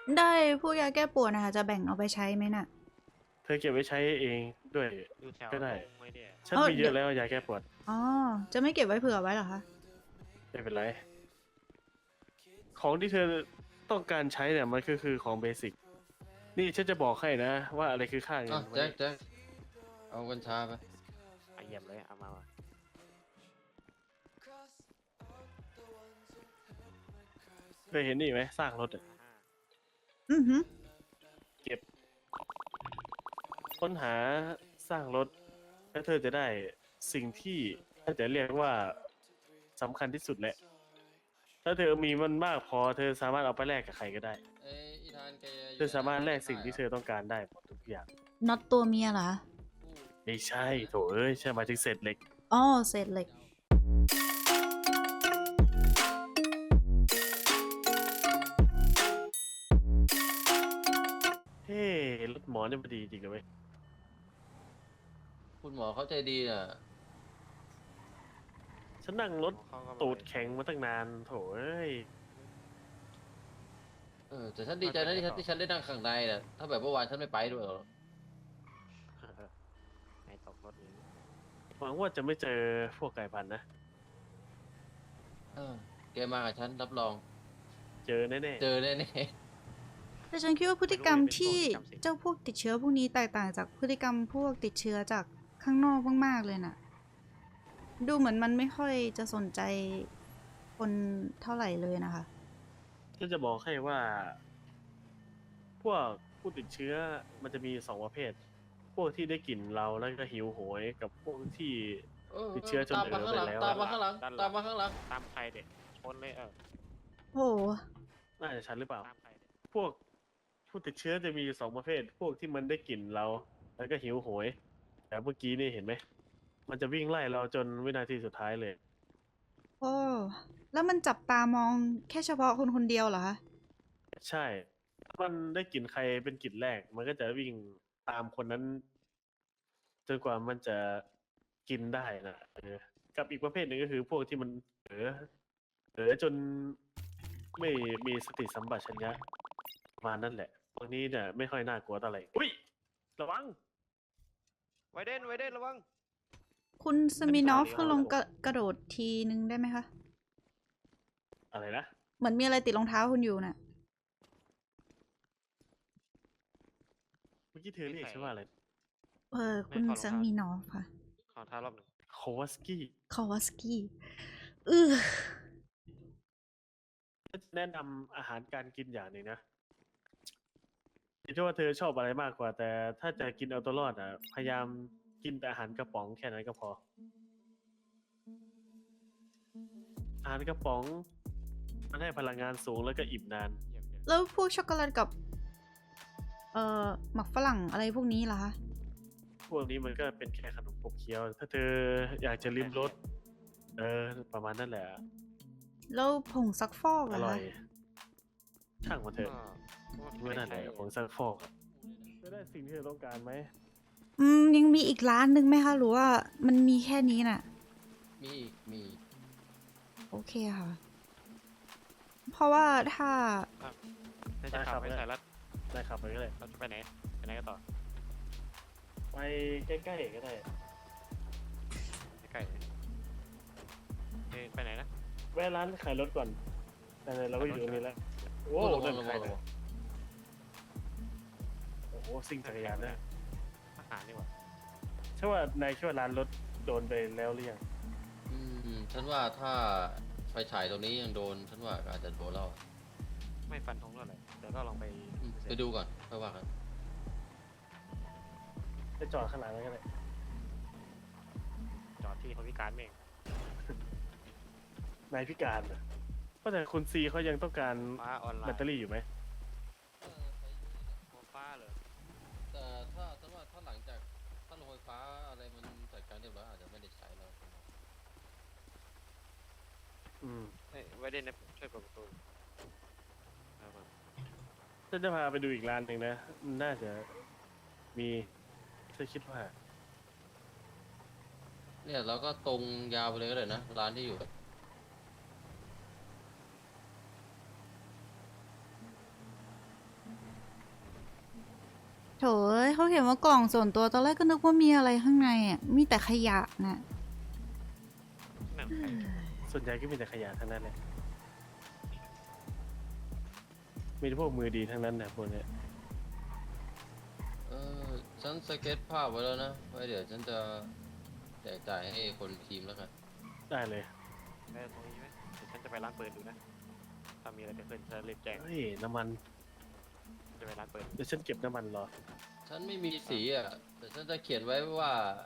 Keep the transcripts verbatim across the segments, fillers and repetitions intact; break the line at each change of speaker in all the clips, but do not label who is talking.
ได้พวกยาแก้ปวดนะคะจะแบ่งเอาไปใช้ไหมน่ะ
เธอเก็บไว้ใช้เองด้วย
อยู่แถว
ก็ได้
ตรงไม่ได้
ฉัน
เออเดี๋ยว
มีเยอะแล้วยาแก้ปวด
อ๋อจะไม่เก็บไว้เผื่อไว้เหรอคะ
ไม่เป็นไรของที่เธอต้องการใช้เนี่ยมันก็คือของเบสิกนี่ฉันจะบอกให้นะว่าอะไรคือค่าเงิ
อ่ะ
นวันนี้
แจ็คแจ็คเอากัญชาไป
เอาเยี่ยมเลยเอามาว่ะ
เคยเห็นนี่ไหมสร้างรถอะ
อ่า
อือหือ
เก็บค้นหาสร้างรถแล้วเธอจะได้สิ่งที่ถ้าจะเรียกว่าสำคัญที่สุดแหละถ้าเธอมีมันมากพอเธอสามารถเอาไปแลกกับใครก็ได้
เอ้ยอีธานแกอ
เธ
ยู่
อสามารถแลกสิ่ง
ได้
ที่เธ
เหรอ
อต้องการได้หมดทุกอย่าง
น็อตตัวเมียเหรอ
ไม่ใช่โถเอ้ยใช่หมายถึงเศษเหล็ก
อ๋อเศษเหล็ก
เฮ้รถหมอเนี่ยมันดีจริงนะเว้ย
คุณหมอเขาใจดีน่ะ
ฉันนั่งรถ
เขาก็
ตูดแข็งมาตั้งนานโถเอ้ย
เออแต่ฉันดีใจนะที่ฉันที่ฉันได้นั่งข้างในน่ะถ้าแบบเมื่อวานฉันไม่ไปด้วยหรอก
ให้ตกรถนี้
หวังว่าจะไม่เจอพวกไก่พันธุ์นะ
เออแกมากับฉันรับรอง
เจอแน่
เจอแน่
แต่ฉันคิดว่าพฤติกรรมที่เจ้าพวกติดเชื้อพวกนี้แตกต่างจากพฤติกรรมพวกติดเชื้อจากข้างนอกมากๆเลยน่ะดูเหมือนมันไม่ค่อยจะสนใจคนเท่าไหร่เลยนะคะ
ๆฉันจะบอกให้ว่า พวกผู้ติดเชื้อมันจะมีสองประเภท พวกที่ได้กลิ่นเราแล้วก็หิวโหยกับพวกที่
ๆเออ
ติดเชื้อจน
ตาม
เออไป
มาข้างหลัง
แล้วอะ
ตามมาข้างหลังตามมาข้างหลัง
ตามใครเด็กชนเลยเออ
โอ้โห
น่าจะฉันหรือเปล่า
ตามใครเด็ก
พวกผู้ติดเชื้อจะมีอยู่สองประเภท พวกที่มันได้กลิ่นเราแล้วก็หิวโหยแต่เมื่อกี้นี่เห็นไหมมันจะวิ่งไล่เราจนวินาทีสุดท้ายเลย
โอ้แล้วมันจับตามองแค่เฉพาะคนคนเดียวเหรอคะ
ใช่ถ้ามันได้กลิ่นใครเป็นกลิ่นแรก มันก็จะวิ่งตามคนนั้นจนกว่ามันจะกินได้นะเออกับอีกประเภทหนึ่งก็คือพวกที่มันเออเออจนไม่มีสติสัมปชัญญะประมาณนั่นแหละพวกนี้เนี่ยไม่ค่อยน่ากลัวเท่าไหร่อุ้ยระวัง
ไวเดนไวเดนระวัง
คุณสมินอฟคือลงกระกระโดดทีนึงได้ไหมคะ
อะไรนะ
เหมือนมีอะไรติดรองเท้าคุณอยู่น่ะ
เมื่อกี้เธอเรียกฉันว่าอะไร
เออคุณสมินอฟค่ะ
ขอท้ารอบหนึ่ง
โควาสกี้
คาวาสกี้เออ
แนะนำอาหารการกินอย่างหนึ่งนะคิดว่าเธอชอบอะไรมากกว่า แต่ถ้าจะกินเอาตัวรอดอ่ะพยายามกินแต่อาหารกระป๋องแค่นั้นก็พอ อาหารกระป๋องมันให้พลังงานสูงแล้วก็อิ่มนาน
เยี่ยมเยี่ยม
แล้วพวกช็อกโกแลตกับ เอ่อหมักฝรั่งอะไรพวกนี้ล่ะคะ
พวกนี้มันก็เป็นแค่ขนมขบเคี้ยว ถ้าเธออยากจะลิ้มรสเออ ประมาณนั่นแหละ
แล้วผงซักฟอก
อ
ล่ะ
ร่อ
คะ
ย ช่างมันเถอะ
ก็
เมื่อนั่นแหละผงซักฟอกอะเธอได้สิ่งที่เธอต้องการไหม
อืมยังมีอีกร้านหนึ่งไหมคะหรือว่ามันมีแค่นี้น่ะ
มีอีกมีอีก
โอเคค่ะ เพราะว่าถ้า
น่าจะขับไปใส่รัด
ได้ครับไปก็ได้
เราจะไปไหนไปไหนกันต่อ
ไปใกล้ๆก็ได้
ใกล้เอ้ไปไหนนะ
แวะร้านขายรถก่อน แต่เราก็อยู่ตรงนี้แล้ว โอ้
ระวั
เดิ
ง
น
ระ
ใคร
วังระ
เนี่
วั
ย
ง
โอ้โหซิ่งจักรยานนะ
อาหารนี่หว่า
ใช่ว่านายคิดว่าร้านรถโดนไปแล้วหรือยัง
อืมฉันว่าถ้าไฟฉายตรงนี้ยังโดนฉันว่าอาจจะโดนแล้ว
ไม่ฟันธงเท่าไหร่เดี๋ยวเราลองไป
อืมไปดูก่อนค่อยว่ากัน
ไปจอดข้างหลังแล้วก็ได้
จอดที่เขาพิการเอง
นายพิการนะเพราะแต่คุณซีเขายังต้องการ
ฟ้าออนไล
แบต
น์
เตอรี่อยู่ไหม
หัวฟ้าเหรอ
แต่ถ้าฉันว่าถ้าหลังจากถ้าโรงไฟฟ้าอะไรมันจัดการเรียบร้อยอาจจะไม่ได้ใช้แล้ว
อืม
เฮ้ยไวเดนนะช่วยเปิดประตูเอามา
ฉันจะพาไปดูอีกร้านหนึ่งนะมันน่าจะมีฉันคิดว่า
เนี่ยเราก็ตรงยาวไปเลยก็ได้นะร้านที่อยู่
โถยเขาเขียนว่ากล่องส่วนตัวตอนแรกก็นึกว่ามีอะไรข้างในอ่ะ มีแต่ขยะน่ะ
นั่นใคร
ส่วนใหญ่ก็มีแต่ขยะทั้งนั้นเลยมีแต่พวกมือดีทั้งนั้นนะพวกเนี้ย
เออฉันสเก็ตภาพไว้แล้วนะไว้เดี๋ยวฉันจะแจกจ่ายให้คนทีมแล้วกัน
ได้เลย
ได้ตรงนี้ไหมเดี๋ยวฉันจะไปร้านปืนดูนะถ้ามีอะไรเกิดขึ้นฉันรีบแจ้ง
เฮ้ยน้ำมัน
จะไปร้านปืน
เดี๋ยวฉันเก็บน้ำมันรอ
ฉันไม่มีสีอ่ะแต่ฉันจะเขียนไว้ว่า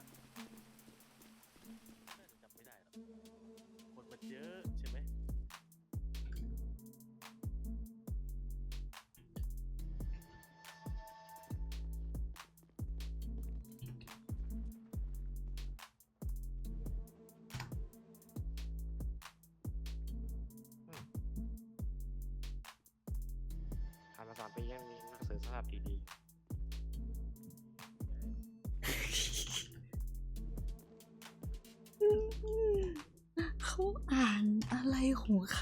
จำไม่ได้หรอกคนมันเยอะใช่ไหม
ผ่านมาสามปียังมีหนังสือสภาพดี
เขาอ่านอะไรของเขา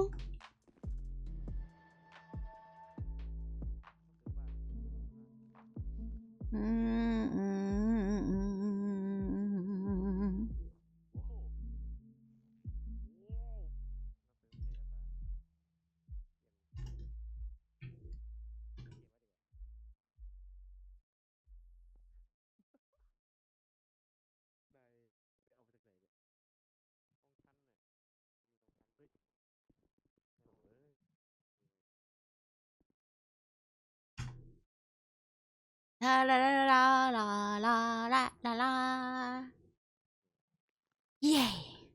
อืมอืมอืม ลาลาลาลาลาลาลาลาลาเย้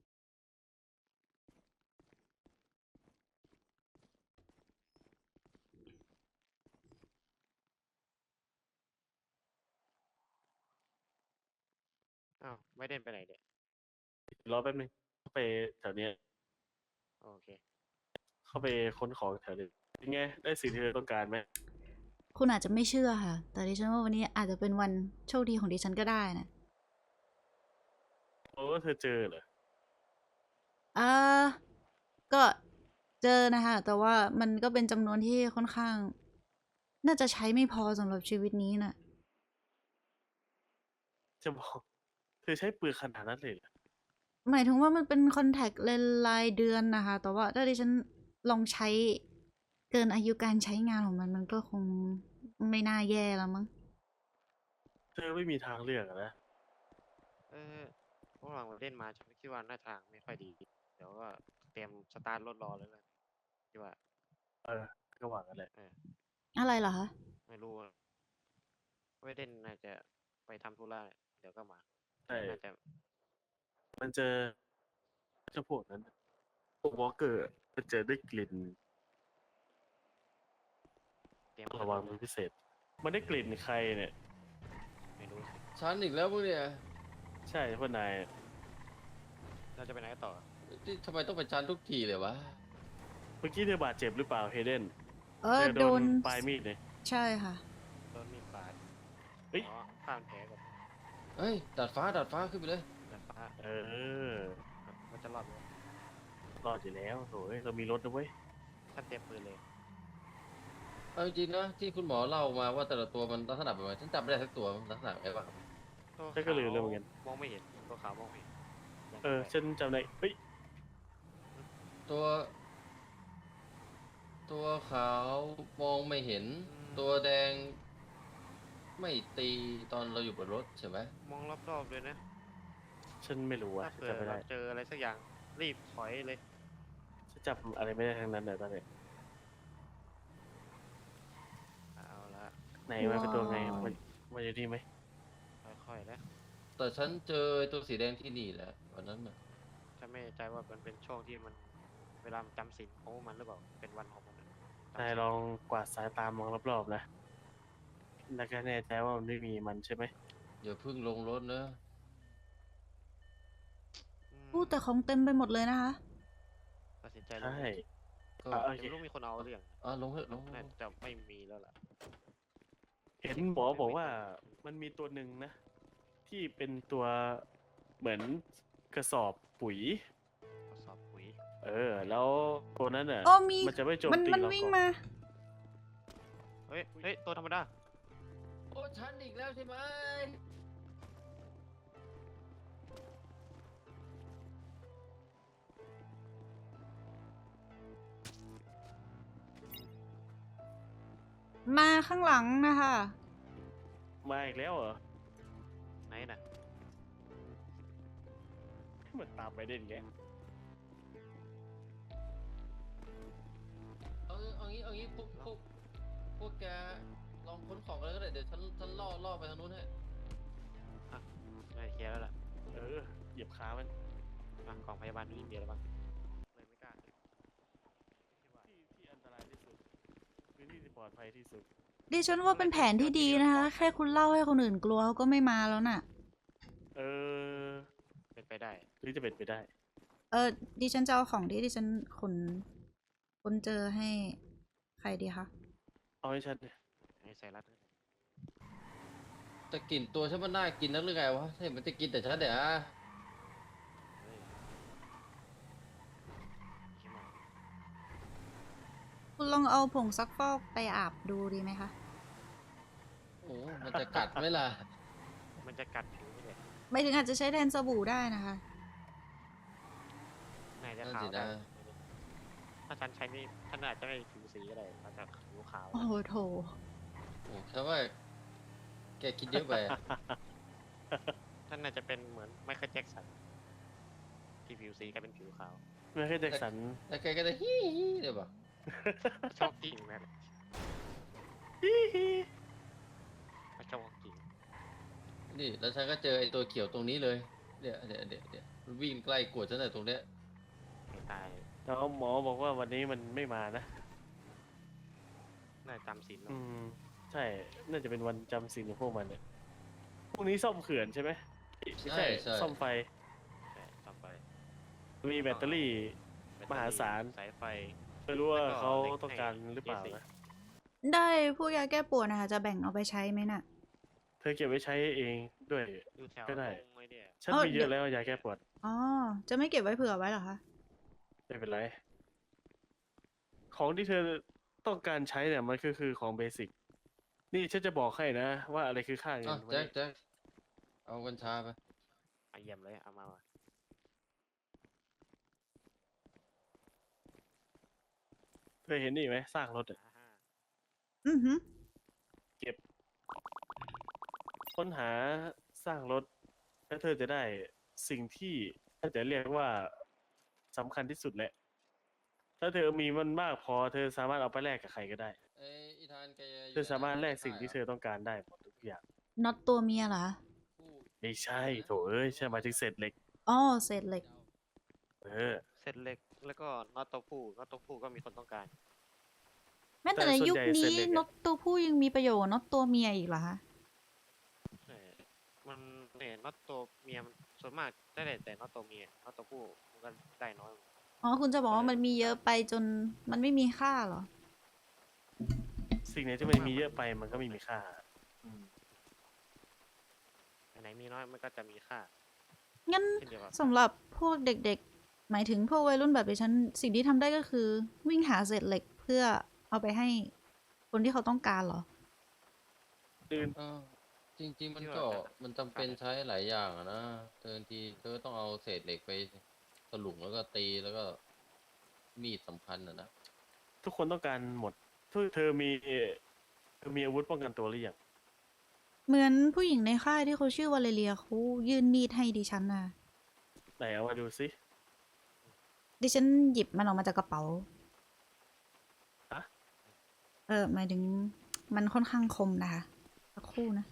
ๆอ้าวไม่เด่นไปไหนเนี่ย
รอแป๊บนึงเข้าไปแถวเนี้ย
โอเค
เข้าไปค้นของแถวนี้เป็นไงได้สิ่งที่เธอต้องการไหม
คุณอาจจะไม่เชื่อค่ะ แต่ดิฉันว่าวันนี้อาจจะเป็นวันโชคดีของดิฉันก็ได้นะ
โอ้เธอเจอเหรอ
อ่าก็เจอนะคะ แต่ว่ามันก็เป็นจำนวนที่ค่อนข้าง น่าจะใช้ไม่พอสำหรับชีวิตนี้น่ะ
จะบอกเธอใช้ปืนขนาดนั้นเลยเหรอ
หมายถึงว่ามันเป็นคอนแทคเลนส์รายเดือนนะคะ แต่ว่าถ้าดิฉันลองใช้เกินอายุการใช้งานของมัน มันก็คงไม่น่าแย่แล้วมั้ง
เธอไม่มีทางเลือกอะนะ
เออพวกเราเล่นมาฉันคิดว่าหน้าทางไม่ค่อยดี เดี๋ยวก็เตรียมสตาร์ทรถรอเลยนะคิดว่า
เออก็หวังกันแหละ
เออ
อะไรเหรอคะ
ไม่รู้อะไม่เด่นน่าจะไปทำธุระเดี๋ยวก็มา
ใช่
น่าจะ
มันเจอเจ้าพวกนั้นพวกวอลเกอร์มันเจอด้วยกลิ่น
เตรียม
ระวังเป็นพิเศษ มันได้กลิ่นใครเนี่ย
ไม่รู้สิ
ฉันอีกแล้วมึงเนี่ย
ใช่พวกนาย
เราจะไปไหนกันต่อ
ที่ทำไมต้องเป็นฉันทุกทีเลยวะ
เมื่อกี้เธอบาดเจ็บหรือเปล่าเฮเดน
เอ
เธ
อ
อ
โด
โด
น
นปลายมีดเนี่ย
ใช่ค่ะ
โดนมีดบาด
เฮ้ย
อ๋อข้ามแผลก่อน
เฮ้ยดัดฟ้าดัดฟ้าขึ้นไปเลย
ดาดฟ้า
เออ
มันจะรอดไหม
รอดอยู่แล้วโถ่เอ้ยเรามีรถนะเว้ย
ท่านเตรียมปืนเลย
เอาจริงๆนะที่คุณหมอเล่ามาว่าแต่ละตัวมันลักษณะแบบไหนฉันจำไม่ได้สักตัวมันลักษณะแบบไหนบ้างครับ
ตัว
ฉันก็ลืมแล้วเหมือนกัน
มองไม่เห็น ตัวขาวมองไม่เห็นยัง
เออ
ไง
ฉันจำได้เฮ้ย
ตัว ตัวขาวมองไม่เห็น ตัวแดง ไม่ตีตอนเราอยู่บนรถใช่ไหม
มองรอบๆเลยนะ
ฉันไม่รู้ว่ะ
ถ้า
ฉัน
เผื่อ
จำไม่
เรา
ได้
เจออะไรสักอย่างรีบถอยเลย
ฉันจำอะไรไม่ได้ทั้งนั้นเลยตอนนี้
เอาละ
ไหนมันเป็นตัวไง
ว้าว
มันมันอยู่ที่ไหม
ค่อยๆนะ
แต่ฉันเจอไอ้ตัวสีแดงที่นี่แหละวันนั้นน่ะ
ฉันไม่แน่ใจว่ามันเป็นช่วงที่มันเวลามันจำศีลของมันหรือเปล่า เป็นวันของมันอะจำ
นาย
ศีล
ลองกวาดสายตามองรอบๆนะ แล้วก็แน่ใจว่ามันไม่มีมันใช่ไหม
อย่าเพิ่งลงรถนะ
อืม
พูดแต่ของเต็มไปหมดเลยนะคะ
ตัดสินใจล
ใช่
ง
ก็
อ่ะโอ
แต่
เค
ไม่รู้มีคนเอาหรือยัง
อ่ะลงเถอะลง
น่าจะไม่มีแล้วล่ะ
เห็นหมอบอกว่ามันมีตัวหนึ่งนะ ที่เป็นตัวเหมือนกระสอบปุ๋ย
ทดสอบปุ๋ย
เออ แล้วตัวนั้นอ่ะ
โอ้มี
มันจะไม่โจม
มัน
ตี
มัน
เรา
วิ่ง
ก่อน
มา
เฮ้ย เฮ้ย ตัวธรรมดา
โอ้ยฉันอีกแล้วใช่ไหม
มาข้างหลังนะคะ
มาอีกแล้วเหรอ
ไหนน่ะ
มันตามไปเด่นแก
เอาเอางี้เอางี้พวกพวกพวกแกลองค้นของกันเลยก็ได้เดี๋ยวฉันฉันล่อล่อไปทางนู้นให้
ไม่เคลียร์แล้วล่ะ
เออเหยียบขามัน
อ่ะกองพยาบาลนี่เดียวแล้วบ้างเลยไม่กล้า
ที่ที่อันตรายที่สุดพื้นที่ที่ปลอดภัยที่สุด
ดิฉันว่าเป็นแผนที่ดีนะคะ แค่คุณเล่าให้คนอื่นกลัวเขาก็ไม่มาแล้วน่ะ
เออ
เป็นไปได้
หรือจะเป็นไปได้
เออดิฉันจะเอาของที่ดิฉันขนคนเจอให้ใครดีคะ
เอาให้ชัดเนี่ย
ให้ใส่รัดด้วย
แต่กลิ่นตัวฉันมันน่ากินนักหรือไงวะเห็นมันจะกินแต่ฉันเดี๋ยวอะ
เฮ้ยเข้มอ่ะ
คุณลองเอาผงซักฟอกไปอาบดูดีไหมคะ
โอ้มันจะกัดไหมล่ะ
มันจะกัดผิวไม่ได้
ไม่ถึงอาจจะใช้แทนสบู่ได้นะคะ
น่าจะ
นั่น
ขาว
สิ
ได้
นะ
ถ้าฉันใช้นี่ท่านอาจจะไม่ผิวสีก็ได้อาจจะผิวขาว
โอ้โหโถ
โอ้ฉันว่าแกคิดเยอะไปอะ
ท่านน่าจะเป็นเหมือนไมเคิลแจ็คสันที่ผิวสีกลายเป็นผิวขาว
ไม่ใช่แจ็คสัน
แล้วแกก็จะฮี้ฮี้เดี๋ยวบอก
ชอบกิ่งนะเขาชอบกิ่ง
นี่แล้วฉันก็เจอไอ้ตัวเขียวตรงนี้เลยเดี๋ยวเดี๋ยวเดี๋ยวเดี๋ยวมันวิ่งใกล้กวดฉันเลยตรงเนี้ย
ให้ตาย
แล้วหมอบอกว่าวันนี้มันไม่มานะ
น่าจะจำศีล
อืม ใช่ น่าจะเป็นวันจำศีลของพวกมันเนี่ยพรุ่งนี้ซ่อมเขื่อนใช่ไหมไม่ใช่ ซ่อมไฟ
ต่อไป
มีแบตเตอรี่ มหาศาล
สายไฟ
ไม่รู้ว่า
แล้วก็
เขา
เล็ก
ต้องการ
ให้
หรือเปล่า
เจสิ
นะ
ได้พวกยาแก้ปวดนะคะ จะแบ่งเอาไปใช้ไหมน่ะ
เธอเก็บไว้ใช้เองด้วย
อยู่แถว
ก็ได้
ตรงไอ้เนี่ย
ฉัน
เอ้า
มีเย
เดี๋ย
อะ
ว
แล้วยาแก้ปวด
อ๋อ จะไม่เก็บไว้เผื่อไว้เหรอคะ
ไม่เป็นไร ของที่เธอต้องการใช้เนี่ยมันก็คือของเบสิก นี่ฉันจะบอกให้นะ ว่าอะไรคือค่าเงิ
อ้าวน
วัน
แจ็ค
นี้
แจ็คเอากัญชาไป
เอาเยี่ยมเลยเอามาว่ะ
เธอเห็นนี่ไหมสร้างรถอะ
อ่าฮะ
อือหือ
ค้นหาสร้างรถ แล้วเธอจะได้สิ่งที่ถ้าจะเรียกว่าสำคัญที่สุดแหละ ถ้าเธอมีมันมากพอ เธอสามารถเอาไปแลกกับใครก็ได้
เอ้ยอีธานแกอยู่
เธอสามารถแลกสิ่งที่เธ
อ
อต้องการได้หมดทุกอย่าง
น็อตตัวเมียเหรอ
ผู้
ไม่ใช่โถเอ้ยใช่หมายถึงเศษเหล็ก
อ๋อเศษเหล็ก
เออ
เสร็จเล็กแล้วก็น็อตตัวผู้น็อตตัวผู้ก็มีคนต้องการ
แม้แต่
แต่
ใน
ส่วน
ยุค
ใหญ่
นี้
เศษเหล็กอะ
น็อตตัวผู้ยังมีประโยชน์น็อตตัวเมียอีกเหรอคะ
ใช่มันเนี่ยน็อตตัวเมียมันส่วนมากได้แต่น็อตตัวเมียน็อตตัวผู้มันก็ได้น้อย
อ๋อ คุณจะบอกว่ามันมีเยอะไปจนมันไม่มีค่าเหรอ
สิ่งไหนที่มันมีเยอะไปมันก็ไม่มีค่า อืม
อันไหนมีน้อยมันก็จะมีค่า
งั้น
เช่นเดียวกับ
สำหรับพวกเด็กๆ หมายถึงพวกวัยรุ่นแบบดิฉัน สิ่งที่ทำได้ก็คือ วิ่งหาเศษเหล็กเพื่อเอาไปให้คนที่เขาต้องการเหรอ
ตื่น
เออจริง ๆ มันก็มันจำเป็นใช้หลายอย่างอะนะเธอบางทีเธอต้องเอาเศษเหล็กไปถลุงแล้วก็ตีแล้วก็มีดสำคัญอะนะ
ทุกคนต้องการหมดเธอเธอมีเธอมีอาวุธป้องกันตัวหรือยัง
เหมือนผู้หญิงในค่ายที่เขาชื่อวาเลเรียเขายื่นมีดให้ดิฉันนะ
ไหนเอามาดูสิ
ดิฉันหยิบมันออกมาจากกระเป๋า
ฮะ
เออหมายถึงมันค่อนข้างคมนะคะสักครู่นะ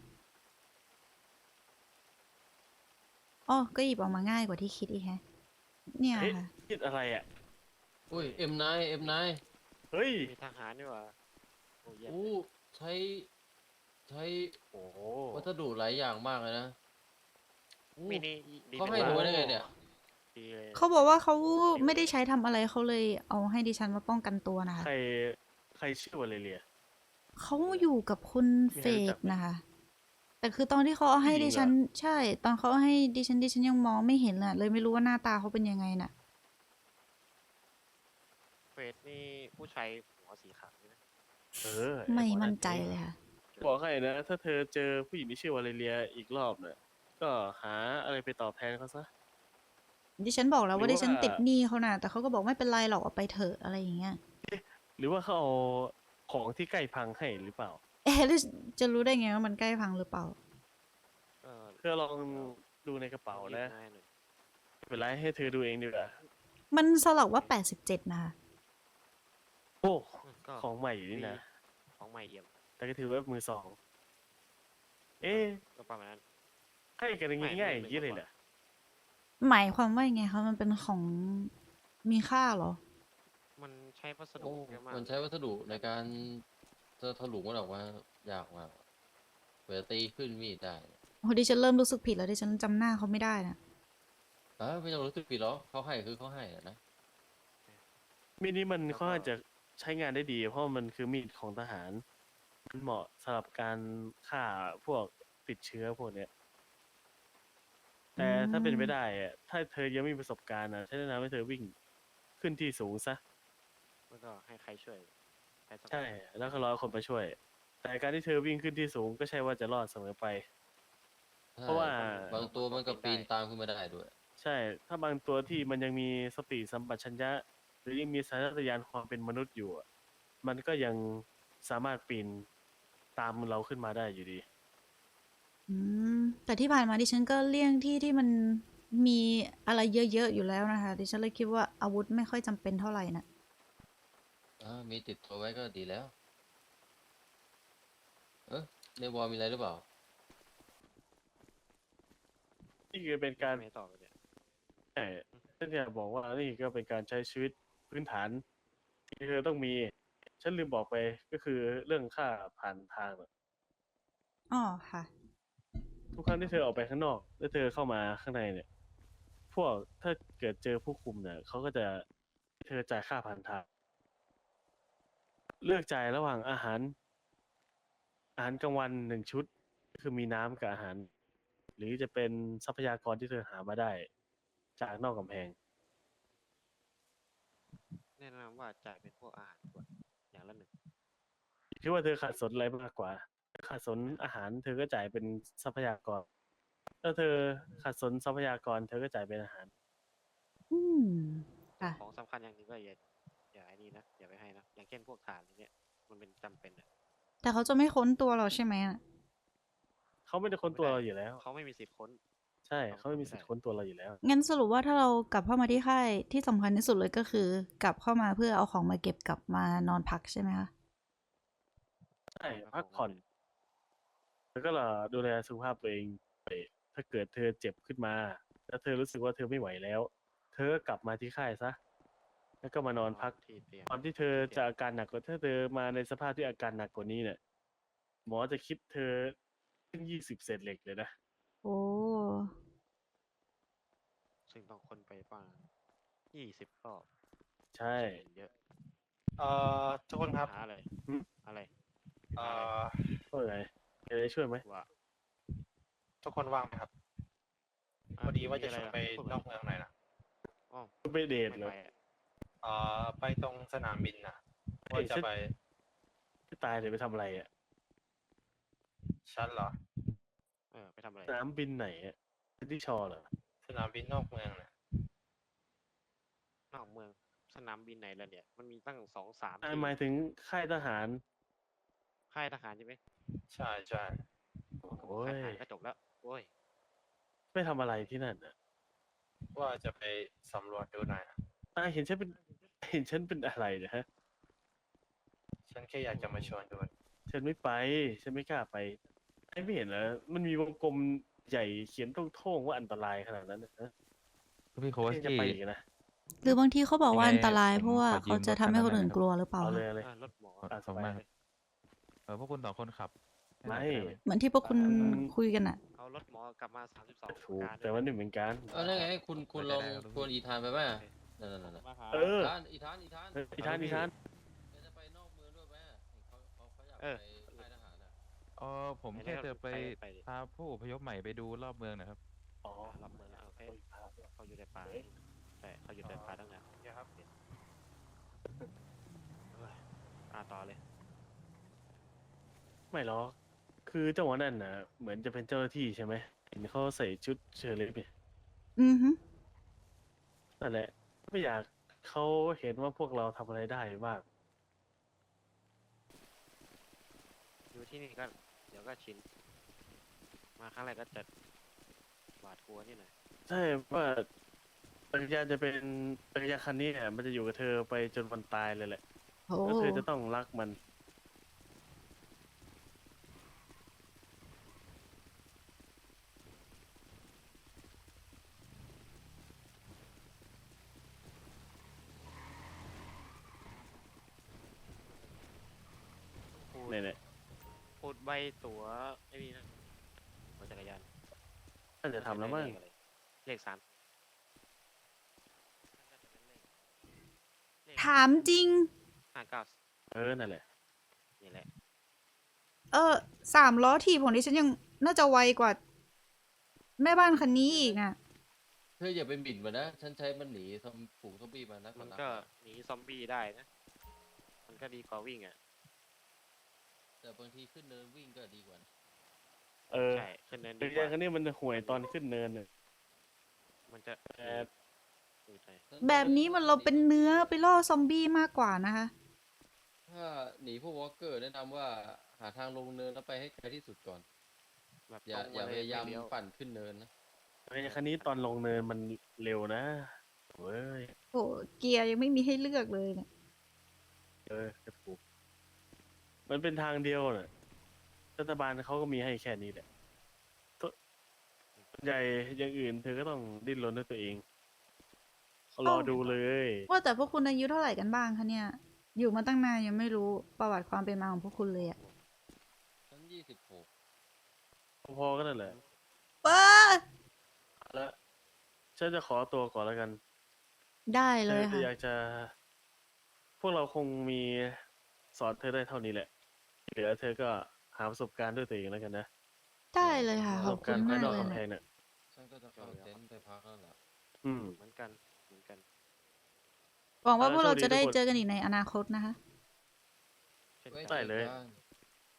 อ๋อก็หยิบออกมาง่ายกว่าที่คิดอีกแฮะ เนี่ย
เฮ้ย
ค่ะ
คิดอะไรอ่ะ
อุ้ยเอ็มไนเอ็มไน
เฮ้ย
มีทหารด้วยว่ะโอ้เยี่ยม
อู้ใช้ใช้
โอ้โห
วัสดุหลายอย่างมากเลยนะอู้
มีนี่ดี
เขา
ป็น
ให้
ล้
ดู
น
ได้ไงเนี่ย
ดีเลย
เขาบอกว่าเขาไม่ได้ใช้ทำอะไรเขาเลยเอาให้ดิฉันมาป้องกันตัวนะคะ
ใคร ใครชื่อวาเลเรีย
เขาอยู่กับคุณ
มี
เฟ
ใครรู้จั
ก
กไหม
นะคะ แต่คือตอนที่เขาเอาให้
ผู้หญิ
ดิ
งเหรอ
ฉัน ใช่ ตอนเขาเอาให้ดิฉันดิฉันยังมองไม่เห็นเลยเลยไม่รู้ว่าหน้าตาเขาเป็นยังไงน่ะ
เฟสนี่ผู้ชายหัวสีขาวใช่ไหม
เออ
ไม่
อ้ห
มั่น
เอง
ใจเลยค่ะ
โอเค
บอกให้นะ ถ้าเธอเจอผู้หญิงที่ชื่อวาเลเรียอีกรอบเนี่ยก็หาอะไรไปตอบแทนเขาซะ
ดิฉันบอกแล้ว
หรือ
ว่าดิฉัน
ว่า
ติดหนี้เขาน่ะแต่เขาก็บอกไม่เป็นไรหรอกเอาไปเถอะอะไรอย่างเงี้ย
หรือว่าเขาเอาของที่ใกล้พังให้หรือเปล่า
เอ๊ะแล้วจะรู้ได้ไงว่ามันใกล้พังหรือเปล่า
เออ
เธอลองดูในกระเป๋านะ
รีบให้หน่อย
ไม่เป็นไรให้เธอดูเองดีกว่า
มันสลักว่าแปดสิบเจ็ดนะคะ
โอ้
อืมก็
ของใหม่นี่นะ
ของใหม่เอี่ยม
แต่ก็ถือว่ามือสอง เอ๊ะ
ก็ประมาณนั้น
ให้กันง่ายๆอย่างนี้เลยเหรอ
หมายความว่ายังไงคะมันเป็นของมีค่าเหรอ
มันใช้วัสดุ
โอ้
เยอะมาก
มันใช้วัสดุในการจะถลุงมันออกมายากมากเปิดตีขึ้นมีดได้
โอ้ดิฉันเริ่มรู้สึกผิดแล้วดิฉันจำหน้าเขาไม่ได้นะ
เออไม่ต้องรู้สึกผิดหรอกเขาให้คือเขาให้อะนะ
มีดนี้มันค่อนข้างจะใช้งานได้ดี เพราะมันคือมีดของทหาร มันเหมาะสำหรับการฆ่าพวกติดเชื้อพวกเนี้ย แต่ถ้าเป็นไปได้อะถ้าเธอยังไม่มีประสบการณ์อะฉันแนะนำให้เธอวิ่งขึ้นที่สูงซะ
แล้วก็ให้ใครช่วยใครสักคน
ใช่ แล้วก็รอคนมาช่วย แต่การที่เธอวิ่งขึ้นที่สูงก็ใช่ว่าจะรอดเสมอไป เพราะว่า
บางตัวมันก็ปีนตามขึ้นมาได้ด้วย
ใช่ ถ้าบางตัวที่มันยังมีสติสัมปชัญญะ หรือยังมีสัญชาตญาณความเป็นมนุษย์อยู่อะมันก็ยังสามารถปีนตามเราขึ้นมาได้อยู่ดี
อืมแต่ที่ผ่านมาดิฉันก็เลี่ยงที่ที่มันมีอะไรเยอะๆอยู่แล้วนะคะดิฉันเลยคิดว่าอาวุธไม่ค่อยจำเป็นเท่าไหร่นะ
อ่ามีติดตัวไว้ก็ดีแล้ว เออในวอลมีอะไรหรือเปล่า
นี่คือเป็นการ
ไม่ต่อไปเนี่ย
ใช่ฉันอยากบอกว่านี่ก็เป็นการใช้ชีวิตพื้นฐาน ที่เธอต้องมี ฉันลืมบอกไปก็คือเรื่องค่าผ่านทางอะ
อ๋อค่ะ
ทุกครั้งที่เธอออกไปข้างนอก แล้วเธอเข้ามาข้างในเนี่ย พวกถ้าเกิดเจอผู้คุมเนี่ยเขาก็จะให้เธอจ่ายค่าผ่านทาง เลือกจ่ายระหว่างอาหาร อาหารกลางวันหนึ่งชุด ก็คือมีน้ำกับอาหาร หรือจะเป็นทรัพยากรที่เธอหามาได้ จากนอกกำแพง
แนะนำว่าจ่ายเป็นพวกอาหารก่อนอย่างละหนึ่ง
คิดว่าเธอขาดสนอะไรมากกว่าถ้าขาดสนอาหาร เธอก็จ่ายเป็นทรัพยากร ถ้าเธอขาดสนทรัพยากร เธอก็จ่ายเป็นอาหาร
อืม
แต่
ค่ะ
ของสำคัญอย่างหนึงก็อย่าอย่าไอ้นี่นะอย่าไปให้นะ อย่างเช่นพวกถ่านอย่างเงี้ยมันเป็นจำเป็นอะ
แต่เขาจะไม่ค้นตัวเราใช่ไหมอะ
เขาไม่ได้ค้นตัวเราอยู่แล้ว
เขาไม่มีสิทธิ์ค้น
ใช่
เขา
เขาไม่มี
ไม่ได้
สิทธิ์ค้นตัวเราอยู่แล้ว
งั้นสรุปว่าถ้าเรากลับเข้ามาที่ค่ายที่สำคัญที่สุดเลยก็คือ กลับเข้ามาเพื่อเอาของมาเก็บกลับมานอนพักใช่ไหมคะ
ใช่ พักผ่อน แล้วก็ดูแลสุขภาพตัวเองไปถ้าเกิดเธอเจ็บขึ้นมา แล้วเธอรู้สึกว่าเธอไม่ไหวแล้ว เธอก็กลับมาที่ค่ายซะ แล้วก็มานอนพัก
ที่เตียง
ตอนที่เธอจะอาการหนักกว่าถ้าเธอมาในสภาพที่อาการหนักกว่านี้เนี่ย หมอจะคิดเธอขึ้นยี่สิบเศษเหล็กเลยนะ
โอ้
ซึ่งต้องคนไปประมาณยี่สิบรอบ
ใช่
เยอะ
เอ่อทุกคนครับ
หาอะไร
อืม
อะไร
เอ่
หาอะไร
อ
ก็ไงจะได้ช่วยไหม
ว่า
ทุกคนว่างไหมครับ
อ่
พอดีว่าจะ
มี
ชวน
ร
ไป
พูด
นอกเมืองหน่อยนะ
อ๋อ
ไปเดท
ไม่
เหรอ
ไปอะ
เอ่อไปตรงสนามบินนะ
เฮ้
ว่าย จะ
ฉัน
ไป
จะตายเดี๋ยวไปทำอะไรอ่ะ
ชั้นเหรอ
เออไปทำอะไร
สนามบินไหนอ่ะที่ชอเหรอ
สนามบินนอกเมืองนะ
นอกเมืองสนามบินไหนแล้วเนี่ย มันมีตั้งสองสาม
อ่า
ที่
หมายถึงค่ายทหาร
ค่ายทหารใช่ไหม
ใช่ใช่
โอ้ย
ค่ายทหารก็จบแล้วโอ้ย
ไปทำอะไรที่นั่นอ่ะ
ว่าจะไปสำรวจดูหน่อยนะ
อ่าเห็นฉันเป็น เห็นฉันเป็นอะไรเนะฮะ
ฉันแค่อยากจะมาชวนดู
ฉันไม่ไป ฉันไม่กล้าไปไอ้ไม่เห็นเหรอ มันมีวงกลมใหญ่เขียนโท่งๆว่าอันตรายขนาดนั้นนะฮะ
พี่โควัส
ยังจะ
กี้
ไปอีกนะ
หรือบางทีเขาบอกว่า
ยังไง
อันตราย
ผม
เพราะว่า
ขอยื
เขา
ม
จะ
รถ
ทำให้
คั
คน
นนั้น
อื่น
หน่อย
กลัวหรือเปล่า
เอาเลย
คะ
เอาเลย
เออรถหมอ
ขอ
อ่ะ
ขอบคุณมากครับ เออพวกคุณสองคนขับให้หน่
ไม่
อยได้ไหม
เหมือนที่พวกคุณ
อืม
คุยกันอะ
เอารถหมอกลับมาสามสิบสอง
ถูก แต่ว่านี่เหมือนกัน
เออนั่นไงคุณคุณลอง
ได้ได้ครับ
ชวนอีธานไปไหมนั่นนั่นนั่น
มาหา
เออ
อีธานอีธานอีธาน
เอออีทานอีทาน
แกจะไปนอกเมืองด้วยไหมเขาเขาเขาอยาก
เออ
ไปค่ายทหารอ่ะ
เออผม
ไหนๆ
แค่จะไป
ไปดิ
พาผู้อพยพใหม่ไปดูรอบเมืองนะครับ
อ๋อ
รับเมืองแล้วโอเค
โอ้ยภาพ
เขาอยู่ในป่าใช่เขาอยู่ในป่าตั้งนาน
เดี๋ยวครับ
เอ้ยอ่าต่อเลย
ไม่หรอกคือเจ้าหัวนั่นนะเหมือนจะเป็นเจ้าหน้าที่ใช่ไหมเห็นเขาใส่ชุดเชอร์ลิฟเนี่ย
อือฮึ
นั่นแหละ ไม่อยากเขาเห็นว่าพวกเราทำอะไรได้บ้าง
อยู่ที่นี่ก็เดี๋ยวก็ชิน มาครั้งแรกก็จะหวาดกลัวนิดหน่อย
ใช่ว่าจักรยานจะเป็นจักรยานคันนี้เนี่ยมันจะอยู่กับเธอไปจนวันตายเลยแหละ
โอ้
แล้วเธอจะต้องรักมัน
พูด
เนี่ยเนี่ย
พูดใบตั๋วไอ้นี่นะรถจักรยาน
น่าจะทำแล้วมั้ง
เลขอะไรเลขสามน่าจะเป็นเลขเลข
ถามจริง
ห้าเก้า
เออ นั่นแหละ
นี่แหละ
เออสามล้อถีบของดิฉันยังน่าจะไวกว่า แม่บ้านคันนี้อีกอ่ะ
เธออย่าไปหมิ่นมันนะ ฉันใช้มันหนีซอมฝูงซอมบี้มานัก
มัน
นั
ก็หนีซอมบี้ได้นะ มันก็ดีกว่าวิ่งอ่ะ
แต่บางทีขึ้นเนินวิ่งก็ดีกว่านะ
เออ
ใช่ขึ้นเนิน
จั
ดี
กร
ก
ยาน
ว่า
คันนี้มันห่วยตอนขึ้นเนินน่ะ
มันจะ
แต่
อืดหน่อย
แบบนี้มันเราเป็นเนื้อไปล่อซอมบี้มากกว่านะคะ
ถ้าหนีพวกวอล์กเกอร์แนะนำว่าหาทางลงเนินแล้วไปให้ไกลที่สุดก่อน
แบบ
อย่า
ตรง
อย่า
เล
พยายาม
ไเลี้ว
ปั่นขึ้นเนินนะ
จักรยานคันนี้ตอนลงเนินมันเร็วนะเว้ย
โอ้เกียร์ยังไม่มีให้เลือกเลยเนี่ย
เออกระถูกมันเป็นทางเดียวน่ะรัฐบาลเขาก็มีให้แค่นี้แหละตัวส่วนใหญ่อย่างอื่นเธอก็ต้องดิ้นรนด้วยตัวเองรอดูเลย
ว่าแต่พวกคุณอายุเท่าไหร่กันบ้างคะเนี่ย อยู่มาตั้งนานยังไม่รู้ประวัติความเป็นมาของพวกคุณเลยอะ
ฉันยี่สิบหก
พอๆก็นั่นแหละ
ป้า
แล้วฉันจะขอตัวก่อนแล้วกัน
ได้เล
เธ
ย
อ
ค่ะ
อยากจะ พวกเราคงมีสอนเธอได้เท่านี้แหละที่เหลือเธอก็หาประสบการณ์ด้วยตัวเองแล้วกันนะ
ได้เลยค่ะ
ประ
ข
ส
อบบ คุ
การ
ณ
ณ์ภาม
าย ก
นอก
เลย
กำแพ
เนี่ย
งน่ะ
ฉันก็จะเข้าเต็นท์ไปพักแล้วล่ะ
อืม
เหมือนกัน เหมือนกัน
หวังว่า
เออ
พวกเรา
โชคดี
จะได้
ทุกคน
เจอกันอีกในอนาคตนะคะ
เช่น
ไว้
กัน
ได้เลย
จอกัน